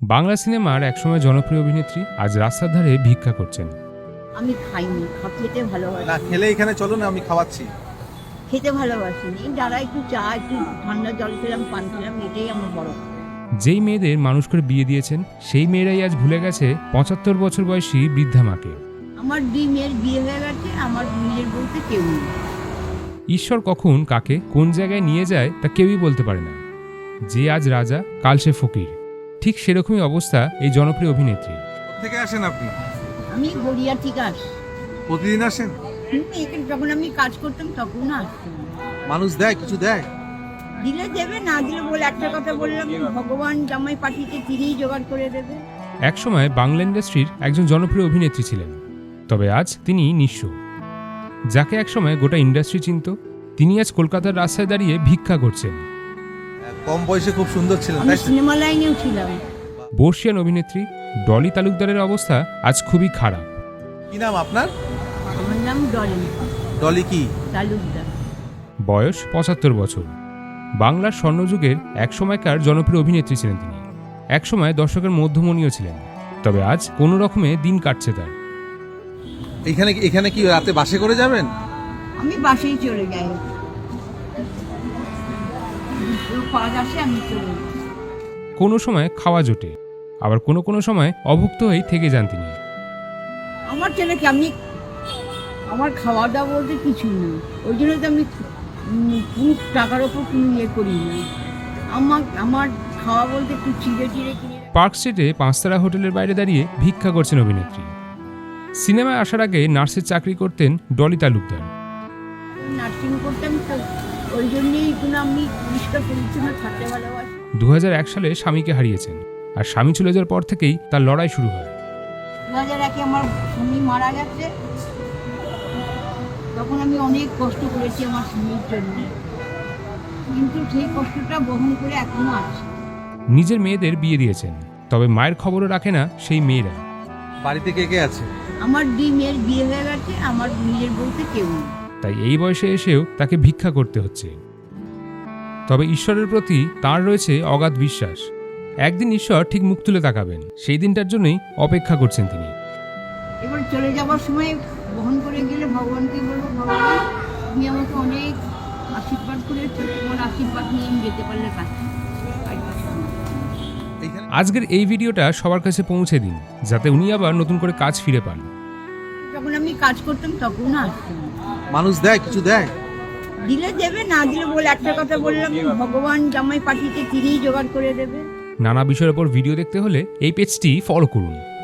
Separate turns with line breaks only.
বাংলা সিনেমার একসময় জনপ্রিয় অভিনেত্রী আজ রাস্তার ধারে ভিক্ষা করছেন।
আমি খাইনি, খেতে ভালোবাসি
না খেলে এখানে চলো না, আমি খাওয়াচ্ছি।
খেতে ভালোবাসিনি, যারা একটু চা একটু ঠান্ডা জল খেলাম, পান খেলাম, এটাই আমার বড়।
যেই মেয়েদের মানুষ করে বিয়ে দিয়েছেন সেই মেয়েরাই আজ ভুলে গেছে ৭৫ বছর বয়সী বৃদ্ধা মাকে।
আমার ২ মেয়ের বিয়ে হয়ে গেছে, আমার নিজের বলতে কেউ নেই।
ঈশ্বর কখন কাকে কোন জায়গায় নিয়ে যায় তা কেউই বলতে পারে না। যে আজ রাজা কাল সে ফকির, ঠিক সেরকমই অবস্থা এই জনপ্রিয় অভিনেত্রী।
থেকে আসেন আপনি?
আমি গড়িয়া থেকে আসি।
প্রতিদিন আসেন?
এখানে যখন আমি কাজ করতাম তখন আসতাম।
মানুষ দেয়, কিছু দেয়?
দিলে দেবে, না দিলে বলে একটা কথা বললাম, ভগবান জামাই পাঠিয়েছে, তিনিই জোগাড় করে দেবে।
একসময় বাংলা ইন্ডাস্ট্রির একজন জনপ্রিয় অভিনেত্রী ছিলেন, তবে আজ তিনি নিঃস্ব। যাকে একসময় গোটা ইন্ডাস্ট্রি চিনত, তিনি আজ কলকাতার রাস্তায় দাঁড়িয়ে ভিক্ষা করছেন।
কম বয়সে খুব সুন্দর ছিলেন,
আমি
তাই তো?
সিনেমা লাইনেও ছিলাম।
বর্ষিয়ান অভিনেত্রী ডলি তালুকদারের অবস্থা আজ খুবই খারাপ।
কি নাম আপনার?
আমার নাম ডলি
ডলি কি?
তালুকদার।
বয়স ৭৫ বছর। বাংলার স্বর্ণযুগের একসময়কার জনপ্রিয় অভিনেত্রী ছিলেন তিনি। একসময় দর্শকের মধ্যমণিও ছিলেন, তবে আজ কোনো রকমে দিন কাটছে তার।
এখানে কি রাতে বাসে করে যাবেন?
আমি বাসেই চলে যাই, কাজ আসে আমি চলে যাই।
কোনো সময় খাওয়া জোটে, আবার কোনো কোনো সময় অভুক্ত হয়েই থেকে যান তিনি।
আমার ছেলেকে আমার খাওয়া দাওয়া বলতে কিছুই না, ওই জন্য তো আমি কোনো টাকার ওপর কোনো ইয়ে করি না। আমার খাওয়া বলতে একটু চিড়ে চিড়ে কিনে।
পার্ক স্ট্রিটে ৫ তারা হোটেলের বাইরে দাঁড়িয়ে ভিক্ষা করছেন অভিনেত্রী। সিনেমায় আসার আগে নার্সের চাকরি করতেন ডলি তালুকদার।
নার্সিং করতাম তো, ওই জন্যই কোনো আমি পরিষ্কার পরিচ্ছন্ন থাকতে ভালোবাসি।
২০০১ সালে স্বামীকে হারিয়েছেন, আর স্বামী চলে যাওয়ার পর থেকেই তার লড়াই শুরু হয়।
২০০১-এ আমার স্বামী মারা গেছে, তখন আমি অনেক কষ্ট করেছি আমার স্বামীর জন্য, কিন্তু সেই কষ্টটা বহন করে এখনো আছি।
নিজের মেয়েদের বিয়ে দিয়েছেন, তবে মায়ের খবরও রাখে না সেই মেয়েরা।
বাড়িতে কে কে আছে?
আমার ২ মেয়ের বিয়ে হয়ে গেছে, আমার নিজের বলতে কেউ নেই।
তাই এই বয়সে এসেও তাকে ভিক্ষা করতে হচ্ছে। তবে ঈশ্বরের প্রতি তার রয়েছে অগাধ বিশ্বাস। একদিন ঈশ্বর ঠিক মুখ তুলে তাকাবেন, সেই দিনটার জন্যই অপেক্ষা করছেন তিনি।
এবার চলে যাওয়ার সময় বহন করে গেলে ভগবানকে বলবো, ভগবান তুমি আমাকে অনেক আশীর্বাদ করেছো, তোমার আশীর্বাদ নিয়ে আমি যেতে পারলে কাছে।
আজকের এই ভিডিওটা সবার কাছে পৌঁছে দিন, যাতে উনি আবার নতুন করে কাজ ফিরে পান।
যখন আমি কাজ করতাম তখন আসতাম।
মানুষ দেয়, কিছু দেয়?
দিলে দেবে, না দিলে বলে একটা কথা বললাম, ভগবান জামাই পাঠিয়েছে, তিনিই জোগাড় করে দেবে।
নানা বিষয়ের ওপর ভিডিও দেখতে হলে এই পেজটি ফলো করুন।